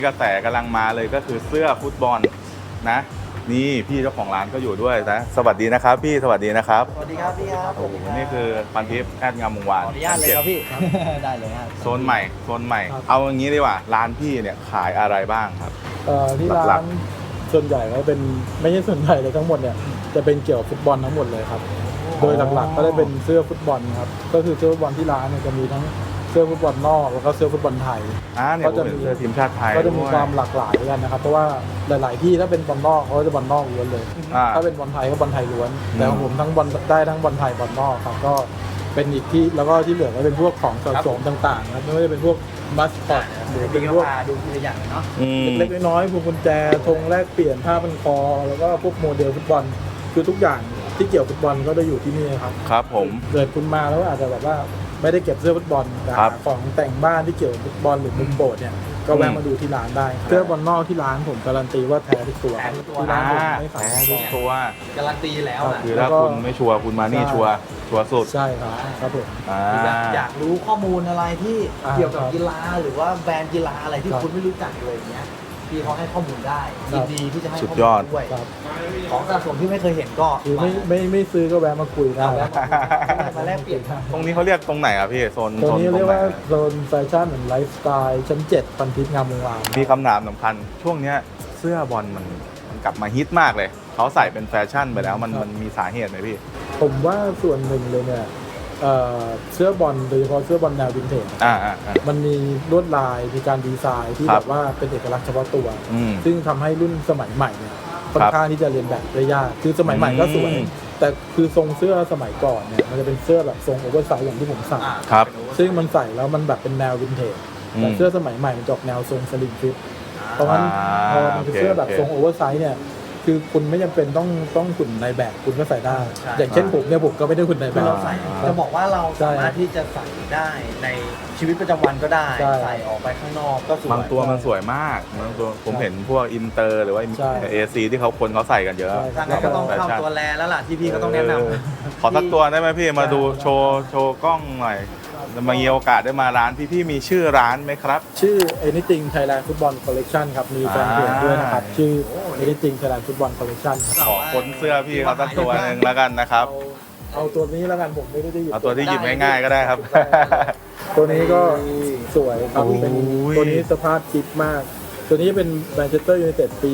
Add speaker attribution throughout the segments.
Speaker 1: กระแสกำลังมาเลยก็คือเสื้อฟุตบอลนะนี่พี่เจ้าของร้านก็อยู่ด้วยนะสวัสดีนะครับพี่สวัสดีนะครับ
Speaker 2: สวัสดีครับพี่ครับ
Speaker 1: โอ้โหนี่คือพันทิพย์แอดงามวงวาน
Speaker 2: ขออนุญาตเลยครับพี่ ได้เลยครับ
Speaker 1: โซนใหม่เอาอย่างนี้ดีกว่าร้านพี่เนี่ยขายอะไรบ้างครับ
Speaker 3: ที่
Speaker 1: หลั
Speaker 3: ร้าก นส่วนใหญ่ก็เป็นไม่ใช่ส่วนใหญ่เลยทั้งหมดเนี่ยจะเป็นเกี่ยวกับฟุตบอลทั้งหมดเลยครับโดยหลักๆก็ได้เป็นเสื้อฟุตบอลครับก็คือเสื้อฟุตบอลที่ร้านเนี่ยจะมีทั้งเสื้อฟุตบอลนอกแล้วก็เสื้อฟุตบอลไทย
Speaker 1: เนี่ยผมเห็นเสื้อทีมชาติไทย
Speaker 3: ก็จะมี
Speaker 1: ด้วย
Speaker 3: ความหลากหลายกันนะครับเพราะว่าหลายๆที่ถ้าเป็นบอลนอกเขาก็จะบอลนอกล้วนเลยถ้าเป็นบอลไทยก็บอลไทยล้วนแต่ของผมทั้งบอลได้ทั้งบอลไทยบอลนอกครับก็เป็นอีกที่แล้วก็ที่เหลือก็เป็นพวกของสะสมต่างๆครับไม่ว่าจะเป็นพวกมัสคอตหรือเป็นพวก
Speaker 2: ดูทีละอย่างเนาะ
Speaker 3: เล็กๆน้อยๆพวงกุญแจธงแลกเปลี่ยนผ้าพันคอแล้วก็พวกโมเดลฟุตบอลคือทุกอย่างที่เกี่ยวฟุตบอลก็จะอยู่ที่นี่ครับ
Speaker 1: ครับผม
Speaker 3: เกิดคุณมาแล้วอาจจะแบบว่าไม่ได้เก็บเสื้อฟุตบอลแต่
Speaker 1: ครับ
Speaker 3: ของแต่งบ้านที่เกี่ยวกับฟุตบอลหรือมุมโปรดเนี่ยก็แวะมาดูที่ร้านได้ครับเสื้อบอลนอกที่ร้านผมการันตีว่าแท้ทุกตัวที่ร้านผมไม่ขาย
Speaker 1: แท้ทุกตัว
Speaker 2: การันตีแล้วนะ
Speaker 1: คือถ้าคุณไม่ชัวร์คุณมานี่ชัวร์สุด
Speaker 3: ใช่ครับครับผม
Speaker 2: อยากรู้ข้อมูลอะไรที่
Speaker 3: อ่า
Speaker 2: เกี่ยวกับกีฬาหรือว่าแบรนด์กีฬาอะไรที่
Speaker 3: ครับ
Speaker 2: คุณไม่รู้จักเลยอย่างเงี้ยพี่เขาให้ข้อมูลได้
Speaker 3: ครั
Speaker 2: ยิ
Speaker 3: บ
Speaker 2: นดีที่จะให้
Speaker 1: สุด
Speaker 2: ข้อย
Speaker 1: อ
Speaker 2: มู
Speaker 1: ด
Speaker 2: ลด้วย
Speaker 3: ครับ
Speaker 2: ของสะสมที่ไม่เคยเห็นก็
Speaker 3: คือไม่ซื้อก็แวะมาคุยได้
Speaker 2: มาแลกเปลี่ยน
Speaker 1: ตรงนี้เขาเรียกตรงไหนอ่ะพี่โซน
Speaker 3: ตัวนี้
Speaker 1: ต
Speaker 3: เรียก
Speaker 1: ไหน
Speaker 3: ว่าโซนแฟชั่นเหมือนไลฟ์สไตล์ชั้น7พันทิพย์งามวงวาน
Speaker 1: มีคำถามสำคัญช่วงเนี้ยเสื้อบอลมันกลับมาฮิตมากเลยเขาใส่เป็นแฟชั่นไปแล้วมันมีสาเหตุไหมพี่
Speaker 3: ผมว่าส่วนหนึ่งเลยเนี่ยเสื้อบอลโดยเฉพาะเสื้อบอลแนววินเทจ มันมีลวดลายมีการดีไซน์ที่
Speaker 1: ครั
Speaker 3: แบบ บว่าเป็นเอกลักษณ์เฉพาะตัว
Speaker 1: อืม
Speaker 3: ซึ่งทำให้รุ่นสมัยใหม่เนี่ยค่อนข้างที่จะเรียนแบบได้ยากคือสมัยใหม่ก็สวย
Speaker 1: อืม
Speaker 3: แต่คือทรงเสื้อสมัยก่อนเนี่ยมันจะเป็นเสื้อแบบทรงโอเวอร์ไซส์อย่างที่ผมใส่
Speaker 1: ครับ
Speaker 3: ซึ่งมันใส่แล้วมันแบบเป็นแนววินเทจแต่เสื้อสมัยใหม่มันจะออกแนวทรงสลิมฟิตเพราะงั้นพอมันเป็นเสื้อแบบทรงโอเวอร์ไซส์เนี่ยคือคุณไม่จำเป็นต้องหุ่นในแบบคุณก็ใส่ได้ อย่างเช่นผมเนี่ยผมก็ไม่ได้หุ่นในแบ
Speaker 2: คือบ เราใส่จะบอกว่าเราสามารถที่จะใส่ได้ในชีวิตประจำวันก็ได้
Speaker 3: ใช่
Speaker 2: ใส่ออกไปข้างนอกก็สวย
Speaker 1: บางตัวมันสวยมากบางตัวผมเห็นพวกอินเตอร์หรือว่า
Speaker 3: ใช่
Speaker 1: เอซีที่คนเขาใส่กันเยอะ
Speaker 3: ใช่
Speaker 2: ทางนั้นก็ต้องเข้าตัวแลแล้วล่ะที่พี่ก็ต้องแนะนำ
Speaker 1: ขอสักตัวได้ไหมพี่มาดูโชว์กล้องหน่อยมามีโอกาสได้มาร้านพี่มีชื่อร้านไหมครับ
Speaker 3: ชื่อ Anything Thailand Football Collection ครับ มีแฟนเพจด้วยนะครับ ชื่อ Anything Thailand Football Collection ครับ
Speaker 1: ขอค้นเสื้อพี่เขาสักตัวหนึ่งแล้วกันนะครับ
Speaker 3: เอาตัวนี้แล้วกันผมไม่ได้หยิบ
Speaker 1: เอาตัวที่หยิบง่ายๆก็ได้ครับ
Speaker 3: ตัวนี้ก็สวยครับ
Speaker 1: โอ้ย
Speaker 3: เป็นตัวนี้สภาพจิ๊บมาก ตัวนี้เป็นแมนเชสเตอร์ยูไนเต็ดปี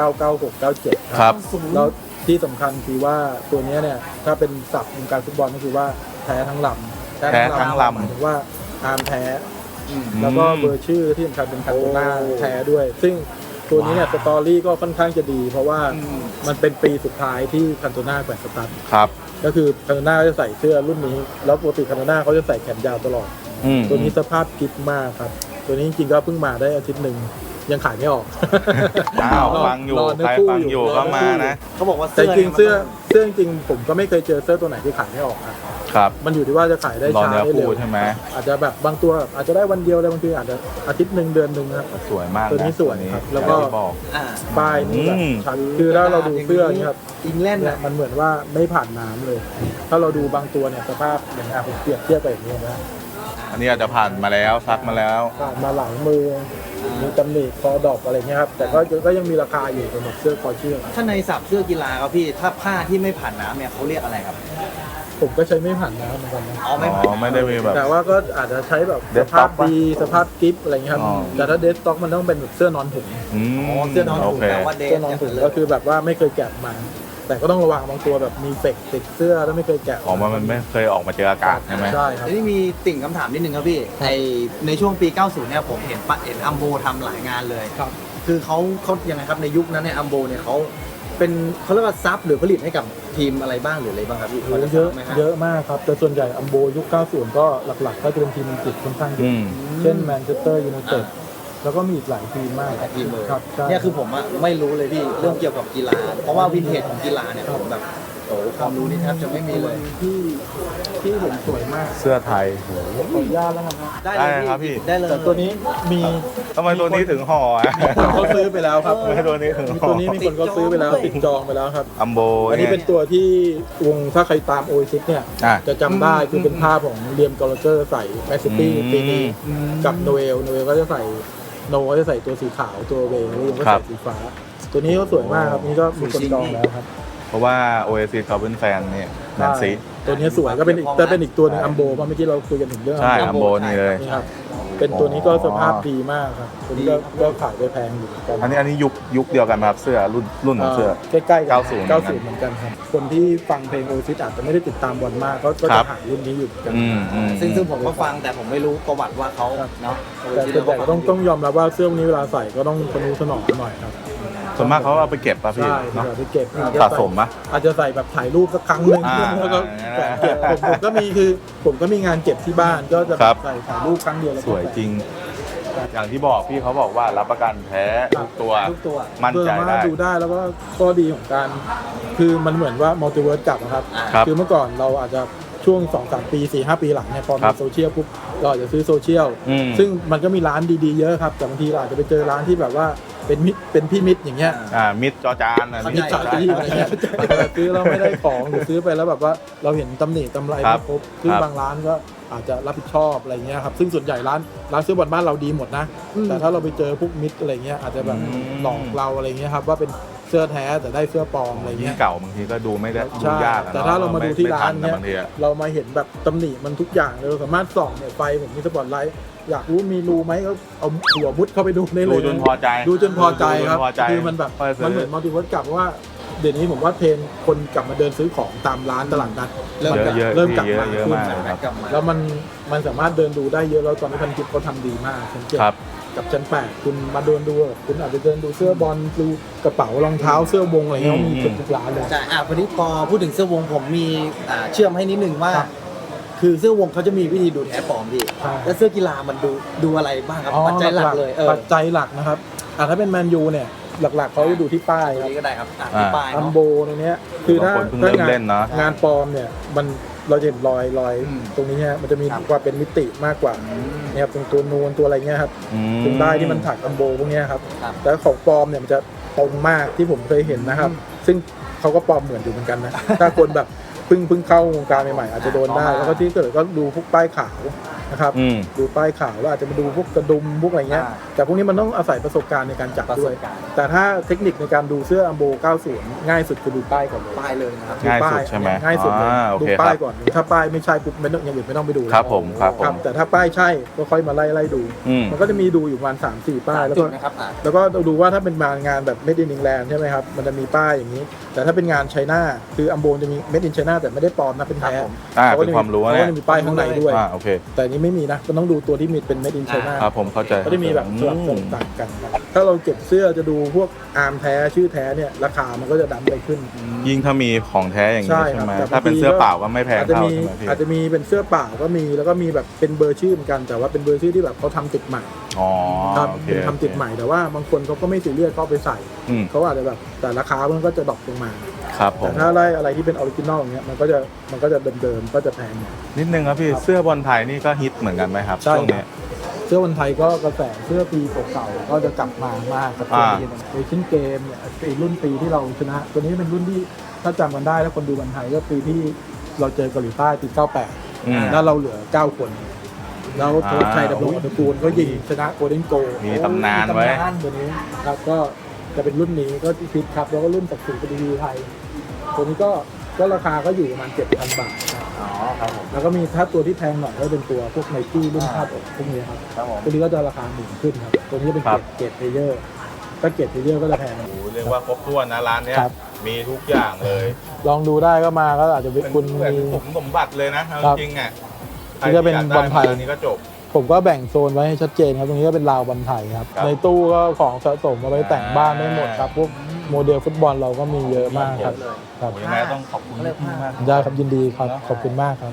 Speaker 3: 1996-97
Speaker 1: ครับ
Speaker 3: แล้วที่สำคัญคือว่าตัวนี้เนี่ย ถ้าเป็นศัพท์วงการฟุตบอลก็คือว่าแท้ทั้งลำ
Speaker 1: แท้ทั้งลำ
Speaker 3: หมายถึงว่าอาร์มแท้ แล้วก็เบอร์ชื่อที่สำคัญเป็นคันโตนาแท้ด้วย ซึ่งตัวนี้เนี่ยสตอรี่ก็ค่อนข้างจะดี เพราะว่ามันเป็นปีสุดท้ายที่คันโตนาแขวนสตั๊ด
Speaker 1: ครับ
Speaker 3: ก็คือคันโตนาจะใส่เสื้อรุ่นนี้ แล้วปกติคันโตนาเขาจะใส่แขนยาวตลอด ตัวนี้สภาพกิ๊บมากครับ ตัวนี้จริงๆก็เพิ่งมาได้อาทิตย์หนึ่งยังขายไม่ออก
Speaker 1: อ้าวฟังอยู่
Speaker 3: รเนื้
Speaker 1: ใคร
Speaker 3: คู่
Speaker 1: ฟังอยู่ก็มานะ
Speaker 2: เขาบอกว่า
Speaker 3: แต่
Speaker 2: เสื้อ
Speaker 3: จริงๆเสื้อจริงๆผมก็ไม่เคยเจอเสื้อตัวไหนที่ขายไม่ออกครับ
Speaker 1: ครับ
Speaker 3: มันอยู่ที่ว่าจะขายได้
Speaker 1: รอ
Speaker 3: ช้า
Speaker 1: เนื้อ
Speaker 3: ได้เร็
Speaker 1: คู่
Speaker 3: ว
Speaker 1: ใช่ไหม
Speaker 3: อาจจะแบบบางตัวอาจจะได้วันเดียวเลยบางทีอาจจะอาทิตย์หนึ่งเดือนหนึ่งครับ
Speaker 1: สวยมากะ
Speaker 3: ตัวนี้สวยครับแล้วก็
Speaker 1: อย่างที่บอก
Speaker 2: อ่า
Speaker 3: ป้ายนี่แบบ
Speaker 1: อืม
Speaker 3: ชัดคือถ้าเราดูเสื้อนี่ครับ
Speaker 2: อิงแลนด์
Speaker 3: เนี่ย
Speaker 2: อ่ะ
Speaker 3: มันเหมือนว่าไม่ผ่านน้ำเลย ถ้าเราดูบางตัวเนี่ยสภาพอย่างผมเปรียบเทียบไปอย่างนี้นะ
Speaker 1: อันนี้อาจจะผ่านมาแล้วซักมาแล้ว
Speaker 3: ผ่านมาหลังมือมีตำหนิคอดอกอะไรเงี้ยครับแต่ก็ยังมีราคาอยู่สำหรับเสื้อคอเชื่อม
Speaker 2: ถ้าในศัพท์เสื้อกีฬาครับพี่ถ้าผ้าที่ไม่ผ่านน้ำเนี่ยเขาเรียกอะไรครับ
Speaker 3: ผมก็ใช้ไม่ผ่านน้ำเหมือนกันนะ
Speaker 2: อ๋อไม่ผ่าน
Speaker 1: ไม่ได้มีแบบ
Speaker 3: แต่ว่าก็อาจจะใช้แบบส
Speaker 1: Dead
Speaker 3: ภาพ
Speaker 1: stock ปะ
Speaker 3: ดีสภาพกิฟอะไรเงี้ยครับ
Speaker 1: อ๋อ
Speaker 3: แต่ถ้าเดสต็อกมันต้องเป็นแบบเสื้อนอนถุง
Speaker 1: อืม
Speaker 2: อ๋อเสื้อนอน
Speaker 1: โอ
Speaker 2: ถุง
Speaker 1: เค
Speaker 2: แต่ว่าเด
Speaker 3: เสื้
Speaker 2: ท
Speaker 3: อนอนถุง
Speaker 2: เลย
Speaker 3: ก็คือแบบว่าไม่เคยแกะมา แต่ก็ต้องระวังบางตัวแบบมีเฟกติดเสื้อแล้วไม่เคยแกะ
Speaker 1: ออกมามันไม่เคยออกมาเจออากาศใช่ไหม
Speaker 3: ใช่ครับ
Speaker 2: ทีนี้มีติ่งคำถามนิดนึงครับพี่ในช่วงปี 90 เนี่ยผมเห็นอัมโบทำหลายงานเลย
Speaker 3: ครับ
Speaker 2: คือเขายังไงครับในยุคนั้นเนี่ยอัมโบเนี่ยเขาเรียกว่าซับหรือผลิตให้กับทีมอะไรบ้างหรืออะไรบ้างครับพี่พจ
Speaker 3: เยอะ
Speaker 2: ทราบไหมฮ
Speaker 3: เยอะมากครับ แต่ส่วนใหญ่อัมโบยุค 90 ก็หลักๆ ก็จะเป็นทีมอังกฤษค่อนข้างเย
Speaker 1: อื
Speaker 3: อะ
Speaker 1: ม
Speaker 3: เช่นแมนเชสเตอร์ยูไนเต็ดแล้วก็มีอีกหลายทีมมาก
Speaker 2: หลายทีมเลย
Speaker 3: ครับใช่
Speaker 2: เนี่ยคือผมอะไม่รู้เลยพี่เรื่องเกี่ยวกับกีฬา เพราะว่าวินเทจของกีฬาเนี่ยผมแบบโอ้โหความรู้นี่แทบจะไม่มีเลย
Speaker 3: ที่เห็นสวยมาก
Speaker 1: เสื้อไทย
Speaker 3: ขออนุญาตแล้วกันครับ
Speaker 2: ได้
Speaker 1: ได้
Speaker 2: เลย
Speaker 1: ครับพี่
Speaker 2: ได้เลย
Speaker 3: แต่ตัวนี้มี
Speaker 1: ทำไมตัวนี้ถึงห่ออ่ะ
Speaker 3: คนเขาซื้อไปแล้วครับ
Speaker 1: ทำไมตัวนี้ถึง
Speaker 3: มี
Speaker 1: ห่อ
Speaker 3: ตัวนี้มีคนเขาซื้อไปแล้วติดจองไปแล้วครับ
Speaker 1: อัมโบ
Speaker 3: อันนี้เป็นตัวที่วงถ้าใครตามโอซิสเนี่ย
Speaker 1: อ่ะ
Speaker 3: จะจำได้คือเป็นภาพของเลียมกอลเจอร์ใส่แมนซิตี้ปีนี้กับโนเอลก็จะใส่โนก็จะใส่ตัวสีขาวตัวเวย์แล้วก็
Speaker 1: ครั
Speaker 3: ใส่
Speaker 1: บ
Speaker 3: สีฟ้า ตัวนี้ก็สวยมากครับนี่ก็มีคนจองแล้วครับ
Speaker 1: เพราะว่า Oasis เขาเป็นแฟนเนี่ยแนนซี
Speaker 3: ตัวนี้สวยก็เป็นอีกตัวหนึงอัมโบเมื่อกี้เราคุยกันถึงเรื่อง
Speaker 1: ใช่อัมโบนี่เลย
Speaker 3: นี่ครับเป็นตัวนี้ก็สภาพดีมากครับตัวนี้ก็ขายไปแพงอยู่เหมือนกัน
Speaker 1: อันนี้ยุคเดียวกันไหมครับเสื้อรุ่นของเสื้อ
Speaker 3: ใกล้ๆกัน
Speaker 1: 90
Speaker 3: 90เหมือนกันครับคนที่ฟังเพลงโอซิสอาจจะไม่ได้ติดตามบอลมากก็
Speaker 1: ครั
Speaker 3: จะ
Speaker 1: บ
Speaker 3: หารุ่นนี้อยู่เหมือนกัน
Speaker 2: ซึ่งผมก็ฟังแต่ผมไม่รู้ประวัติว่าเขาเนาะ
Speaker 3: แต่ต้องยอมรับว่าเสื้อพวกนี้เวลาใส่ก็ต้องทนุถนอมหน่อยครับ
Speaker 1: ส่วนมากเขาเอาไปเก็บป่ะพี่
Speaker 3: ใช่
Speaker 1: เนาะ
Speaker 3: ไปเก็บ
Speaker 1: สะสมปะ
Speaker 3: อาจจะใส่แบบถ่ายรูปสักครั้งหนึ่ง แล้วก็แขวนเก็บผมก็มีงานเก็บที่บ้านก็จะ
Speaker 1: ครับ
Speaker 3: ใส่ถ่ายรูปครั้งเดียวแล้ว
Speaker 1: สวยจริง อย่างที่บอกพี่เขาบอกว่ารับประกันแท้ทุกตัว
Speaker 2: ทุกตัว
Speaker 1: มั่นใจ
Speaker 3: เพื่อ
Speaker 1: ได้
Speaker 3: มาดูได้แล้วก็ข้อดีของการคือมันเหมือนว่ามัลติเวิร์สกลับนะครับ
Speaker 1: ครับ
Speaker 3: คือเมื่อก่อนเราอาจจะช่วง 2-3 ปี 4-5 ปีหลังเนี่ยพอ
Speaker 1: ครั
Speaker 3: มี
Speaker 1: บ
Speaker 3: โซเชียลปุ๊บเราอาจจะซื้อโซเชียล
Speaker 1: อืม
Speaker 3: ซึ่งมันก็มีร้านดีๆเยอะครับแต่บางทีเราอาจจะไปเจอร้านที่แบบว่าเป็นพี่มิตรอย่างเงี้ย
Speaker 1: มิดจอจานอัน
Speaker 3: มิ
Speaker 1: นี้
Speaker 3: ตรจ่ายที่อะไรเงี้ยซื้อแล้วไม่ได้ของหรือซื้อไปแล้วแบบว่าเราเห็นตำหนิตำไร
Speaker 1: ครั
Speaker 3: ไม่
Speaker 1: บ
Speaker 3: ครบซึ่ง
Speaker 1: ครับ
Speaker 3: บางร้านก็อาจจะรับผิดชอบอะไรเงี้ยครับซึ่งส่วนใหญ่ร้านซื้อบอลบ้านเราดีหมดนะแต่ถ้าเราไปเจอพวกมิตรอะไรเงี้ยอาจจะแบบหลอกเราอะไรเงี้ยครับว่าเป็นเสื้อแท้แต่ได้เสื้อปลอมอะไร
Speaker 1: ยิ่
Speaker 3: เงี้
Speaker 1: ง
Speaker 3: ย
Speaker 1: เก่าบางทีก็ดูไม่ได้ดู
Speaker 3: ใช่
Speaker 1: ยากอะ
Speaker 3: แต่ถ้าเรามาดูที่ร้าน
Speaker 1: ไม่
Speaker 3: เนี่ย
Speaker 1: บางทีอะ
Speaker 3: เรามาเห็นแบบตำหนิมันทุกอย่างเลยเราสามารถส่องเนี่ยไฟผมมีสปอตไลท์อยากรู้มีรูไหมก็เอาหัวมุดเข้าไปดูได้เลย
Speaker 1: ดูจนพอใจ
Speaker 3: ดูจนพอใจครับ
Speaker 1: ดูจนพอใจ
Speaker 3: คือมันแบบ
Speaker 1: ค่อยซื้อ
Speaker 3: มันเหมือนมัลติเวิร์สกลับเพราะว่าเดี๋ยวนี้ผมว่าเทรนด์คนกลับมาเดินซื้อของตามร้านตลาดนัดเริ่มกลับ
Speaker 1: เยอะ
Speaker 3: เริ่มกลับมา
Speaker 1: เยอะ
Speaker 3: ขึ้น
Speaker 1: มากครับ
Speaker 2: กลับมา
Speaker 3: แล้วมันสามารถเดินดูได้เยอะแล้วตอนนี้พันทิปเขาทำดีมากชั้นเจ็ด
Speaker 1: ครับ
Speaker 3: กับชั้น8คุณมาเดินดูคุณอาจจะเดินดูเสื้อบอลดูกระเป๋ารองเท้าเสื้อวงอะไรเงี้ยมีเกือบทุกร้านเลย
Speaker 2: ใช่วันนี้พอพูดถึงเสื้อวงผมมีเชื่อมให้นิดนึงว่า
Speaker 3: ครับ
Speaker 2: คือเสื้อวงเขาจะมีวิธีดูแท้ปลอมพี่
Speaker 3: ใช่
Speaker 2: แล้วเสื้อกีฬามันดูอะไรบ้างครับปัจจัยหลักเลย
Speaker 3: ปัจจัยหลักนะครับถ้าเป็นแมนยูเนี่ยหลักๆเขาจะดูที่ป้าย
Speaker 2: ตรง
Speaker 3: ครับ
Speaker 2: นี้ก็ได้ครับที่ป้าย
Speaker 3: อัม
Speaker 2: เนาะ
Speaker 3: โบในเนี้ยคือถ้า
Speaker 1: บางคนเพิ่งเริ่มเล่นเนอะ
Speaker 3: งานปลอมเนี่ยมันเราจะเห็นรอย
Speaker 2: อืม
Speaker 3: ตรงนี้ฮะมันจะมี
Speaker 2: ครับ
Speaker 3: ความเป็นมิติมากกว่าเนี่ยครับตรงตัวนูนตัวอะไรเงี้ยครับ
Speaker 1: อืม
Speaker 3: ตรงได้ที่มันถักอัมโบพวกเนี้ยครับ
Speaker 2: ครับ
Speaker 3: แต่ของปลอมเนี่ยมันจะตรงมากที่ผมเคยเห็นนะครับ ซึ่งเขาก็ปลอมเหมือนอยู่เหมือนกันนะ ถ้าคนแบบเพิ่งเข้าวงการใหม่ๆอาจจะโดนได้ แล้วก็ที่เกิดก็ดูพวกป้ายขาวนะครับ
Speaker 1: อืม
Speaker 3: ดูป้ายขาวแล้วอาจจะมาดูพวกกระดุมพวกอะไรเงี้ย แต่พวกนี้มันต้องอาศัยประสบการณ์ในการจับ
Speaker 2: ประส
Speaker 3: ด้วย
Speaker 2: บการณ์
Speaker 3: แต่ถ้าเทคนิคในการดูเสื้ออัมโบ 90 ง่ายสุดคือดูป้ายก่อนเลย
Speaker 2: ป้ายเลยนะครับ
Speaker 3: ดูป้
Speaker 1: ง่ายสุดใช่ไหม
Speaker 3: ง่ายสุดเลย
Speaker 1: โอ
Speaker 3: ดู
Speaker 1: เค
Speaker 3: ป้าย
Speaker 1: ครับ
Speaker 3: ก่อนถ้าป้ายไม่ใช่ปุ๊บไม่ต้องอย่างอื่นไม่ต้องไปดูแล้ว
Speaker 1: ครับผมครับผม
Speaker 3: แต่ถ้าป้ายใช่ก็ค่อยมาไล่ดู
Speaker 1: อืม
Speaker 3: มันก็จะมีดูอยู่ประมาณ 3-4 ป้ายแล้ว
Speaker 2: จุ
Speaker 3: ก็
Speaker 2: ดนะครับ
Speaker 3: แล้วก็ดูว่าถ้าเป็นงานแบบ Made in England ใช่ไหมครับ มันจะมีป้ายอย่างนี้ แต่ถ้าเป็นงานไชน่าคืออัมโบจะมี Made in China แต่ไม่ได้ปลอมนะเป็นแท้
Speaker 1: เป็นความรู้
Speaker 3: เขา
Speaker 1: เนี่
Speaker 3: ก็
Speaker 1: ย
Speaker 3: จะมีป้ายข้างในด้วย
Speaker 1: โอเค
Speaker 3: แต่อันนี้ไม่มีนะก็ต้องดูตัวที่มีเป็น Made in China
Speaker 1: ครับผมเข้าใจ
Speaker 3: ก็จะมีแบบสลับต่างกันครับถ้าเราเก็บเสื้อจะดูพวกอาร์มแท้ชื่อแท้เนี่ยราคามันก็จะดันไปขึ้น
Speaker 1: ยิ่งถ้ามีของแท้อย่างนี้
Speaker 3: ใช่
Speaker 1: ใช่
Speaker 3: ครับ
Speaker 1: ไหม
Speaker 3: แต่
Speaker 1: ถ้าเป็น
Speaker 3: บางที
Speaker 1: เสื้อเปล่าก็ไม่แพง
Speaker 3: อาจจะ
Speaker 1: เท่า
Speaker 3: มี
Speaker 1: ใช่ไหมพี่
Speaker 3: อาจจะมีเป็นเสื้อเปล่าก็มีแล้วก็มีแบบเป็นเบอร์ชื่อเหมือนกัน แต่ว่าเป็นเบอร์ชื่อที่แบบเขาทำติดใหม่
Speaker 1: อ๋อ
Speaker 3: ครับ
Speaker 1: โอเค
Speaker 3: เป็นทำติดใหม่แต่ว่าบางคนเขาก็ไม่ซีเรียสเขาเอาไปใส่
Speaker 1: อืม
Speaker 3: เขาอาจจะแบบแต่ราคามันก็จะดรอปลงมา
Speaker 1: ครับผ
Speaker 3: แต่
Speaker 1: ม
Speaker 3: ถ้าไล่อะไรที่เป็นออริจินอลอย่างเงี้ยมันก็จะเดิมๆก็จะแพงหน่อย
Speaker 1: นิดนึงครับพี่
Speaker 3: ครับ
Speaker 1: เสื้อบอลไทยนี่ก็ฮิตเหมือนกันไหมครับ
Speaker 3: ใช่
Speaker 1: ช่วงนี้
Speaker 3: เสื้อวันไทยก็กระแสเสื้อปีเก่าๆก็จะกลับมามากกับตัวนี้เอเชียนเกมเนี่ยไอ้รุ่นปีที่เราชนะ ตัวนี้เป็นรุ่นที่ถ้าจำกันได้แล้วคนดูวันไทยก็ปีที่เราเจอเกาหลีใต้ปี
Speaker 1: อืม
Speaker 3: 98แล้วเราเหลือ 9 คน แล้วโค้ชชัยดำรงอัตกูลก็ยิงชนะโกลเด้นโกล
Speaker 1: มีตำนานไว้
Speaker 3: ตัวนี้ครับก็จะเป็นรุ่นนี้ก็พิษครับแล้วก็รุ่นศักดิ์ศรีปฏิวีไทย ตัวนี้ก็ราคาก็อยู่ประมาณ 7,000 บาทครับ
Speaker 2: อ๋อครับผม
Speaker 3: แล้วก็มีถ้าตัวที่แพงหน่อยก็เป็นตัวพวกไนกี้รุ่นคาดอกพวกนี้ครับ
Speaker 2: ครับผม
Speaker 3: ตัวนี้ก็จะราคาหมื่นขึ้นครับ ตัวนี้จะเป็น
Speaker 1: ครับ
Speaker 3: เกรดเพลเยอร์ถ้าเกรดเพลเยอร์ก็จะแพง
Speaker 1: โอ้โหเรียกว่าครบถ้วนนะร้านเนี้ย
Speaker 3: ครับ
Speaker 1: มีทุกอย่างเลย
Speaker 3: ลองดูได้ก็มาก็อาจจะเป็นคุณ
Speaker 1: เหมือน
Speaker 3: มี
Speaker 1: ผมสมบัติเลยนะเอา
Speaker 3: ครับ
Speaker 1: จริงๆอ่ะ
Speaker 3: นี่ก็เป็น
Speaker 1: ใครที่
Speaker 3: บอลไทย
Speaker 1: ากด้มาร้านนี้ก็จบ
Speaker 3: ผมก็แบ่งโซนไว้ให้ชัดเจนครับ ตรงนี้ก็เป็นราวบอลไทยครับ
Speaker 1: ครับ
Speaker 3: ในตู้ก็ของสะสมเอาไว้แต่งบ้านได้หมดครับ พวกโมเดลฟุตบอลเราก็มีเยอะมากครับครับ
Speaker 1: โอ้ยยังไงต้องขอบคุณพี่มาก
Speaker 3: ได้ครับยินดีครับ ขอบคุณมากครับ